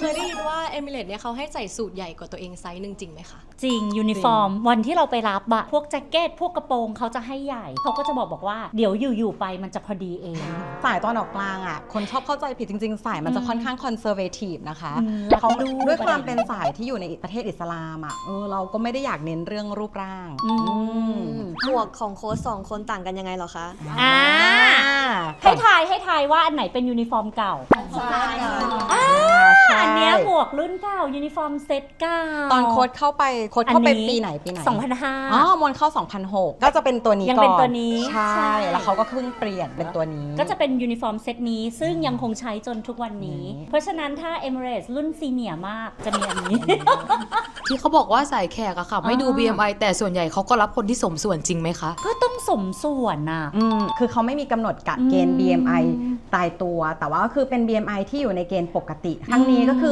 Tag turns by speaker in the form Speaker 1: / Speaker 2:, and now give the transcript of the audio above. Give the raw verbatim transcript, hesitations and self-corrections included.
Speaker 1: เคยได้ยินว่าเอมิเรตเนี่ยเขาให้ใส่สูทใหญ่กว่าตัวเองไซส์หนึ่งจริงไหมคะ
Speaker 2: จริงยูนิฟอร์มวันที่เราไปรับอะพวกแจ็คเก็ตพวกกระโปรงเขาจะให้ใหญ่เขาก็จะบอกบอกว่าเดี๋ยวอยู่ๆไปมันจะพอดีเอง
Speaker 3: สายตอนออกกลางอ่ะคนชอบเข้าใจผิดจริงๆสายมันจะค่อนข้างคอนเซอร์เวทีฟนะคะเขาด้วยความเป็นสายที่อยู่ในประเทศอิสลามอ่ะเออเราก็ไม่ได้อยากเน้นเรื่องรูปร่าง
Speaker 1: หมวกของโค้ชสองคนต่างกันยังไงเหรอคะ
Speaker 2: อ่าให้ทายให้ทายว่าอันไหนเป็นยูนิฟอร์มเก่าอันเนี้ยหมวกรุ่นเก่ายูนิฟอร์มเซตเก่า
Speaker 3: ตอนโค้ดเข้าไปโค้ดเข้าไปปีไหนปีไหน
Speaker 2: สองพันห้า
Speaker 3: อ๋อมวนเข้าสองพันหกก็จะเป็นตัวนี้ก่อน
Speaker 2: ยังเป็นตัวนี้
Speaker 3: ใช่แล้วเขาก็เพิ่งเปลี่ยนเป็นตัวนี้
Speaker 2: ก็จะเป็นยูนิฟอร์มเซตนี้ซึ่งยังคงใช้จนทุกวันนี้เพราะฉะนั้นถ้า Emirates รุ่นซีเนียร์มากจะมีอันนี้
Speaker 4: ที่เขาบอกว่าสายแขกอะค่ะไม่ดู บี เอ็ม ไอ แต่ส่วนใหญ่เขาก็รับคนที่สมส่วนจริงไหมคะ
Speaker 2: ก็ต้องสมส่วนน่ะ
Speaker 3: คือเขาไม่มีกำหนดกะเกณฑ์ บี เอ็ม ไอ ตายตัวแต่ว่าก็คือเป็น บี เอ็ม ไอ ที่อยู่ในเกณฑ์ปกติครั้งนี้ก็คือ